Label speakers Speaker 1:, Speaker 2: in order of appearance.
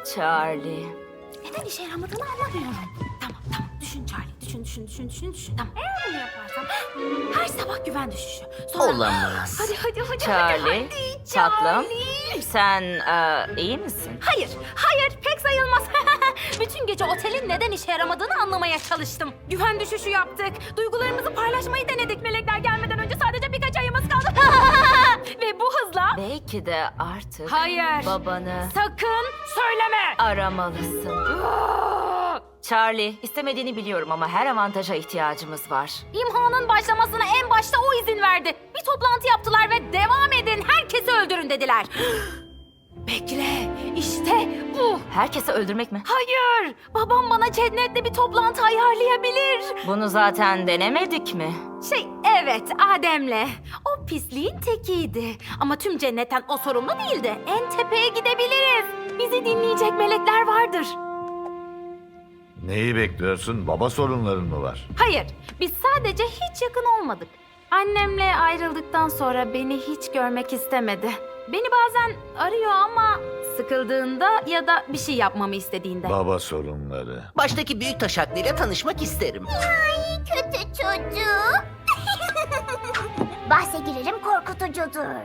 Speaker 1: Charlie.
Speaker 2: Neden işe yaramadığını anlamıyorum. Tamam. Düşün Charlie. Düşün. Tamam. Eğer bunu yaparsam her sabah güven düşüşü. Sonra...
Speaker 3: Olamaz.
Speaker 2: Hadi.
Speaker 1: Charlie,
Speaker 2: Hadi,
Speaker 1: tatlım.
Speaker 2: Charlie.
Speaker 1: Sen iyi misin?
Speaker 2: Hayır, pek sayılmaz. Bütün gece otelin neden işe yaramadığını anlamaya çalıştım. Güven düşüşü yaptık. Duygularımızı paylaşmayı denedik. Melekler gelmeden önce sadece birkaç ayımız kaldı. Ve bu hızla...
Speaker 1: Belki de artık
Speaker 2: Hayır.
Speaker 1: babanı
Speaker 2: Sakın söyleme.
Speaker 1: aramalısın. Charlie, istemediğini biliyorum ama her avantaja ihtiyacımız var.
Speaker 2: İmhanın başlamasına en başta o izin verdi. Bir toplantı yaptılar ve devam edin, herkesi öldürün dediler. Bekle, işte bu.
Speaker 1: Herkesi öldürmek mi?
Speaker 2: Hayır, babam bana cennetle bir toplantı ayarlayabilir.
Speaker 1: Bunu zaten denemedik mi?
Speaker 2: Evet, Adem'le. O pisliğin tekiydi. Ama tüm cennetten o sorumlu değildi. En tepeye gidebiliriz. Bizi dinleyecek melekler vardır.
Speaker 4: Neyi bekliyorsun? Baba sorunların mı var?
Speaker 2: Hayır, biz sadece hiç yakın olmadık. Annemle ayrıldıktan sonra beni hiç görmek istemedi. Beni bazen arıyor ama sıkıldığında ya da bir şey yapmamı istediğinde.
Speaker 4: Baba sorunları.
Speaker 3: Baştaki büyük taş hakkıyla tanışmak isterim.
Speaker 5: Kötü çocuk. Bahse girerim korkutucudur.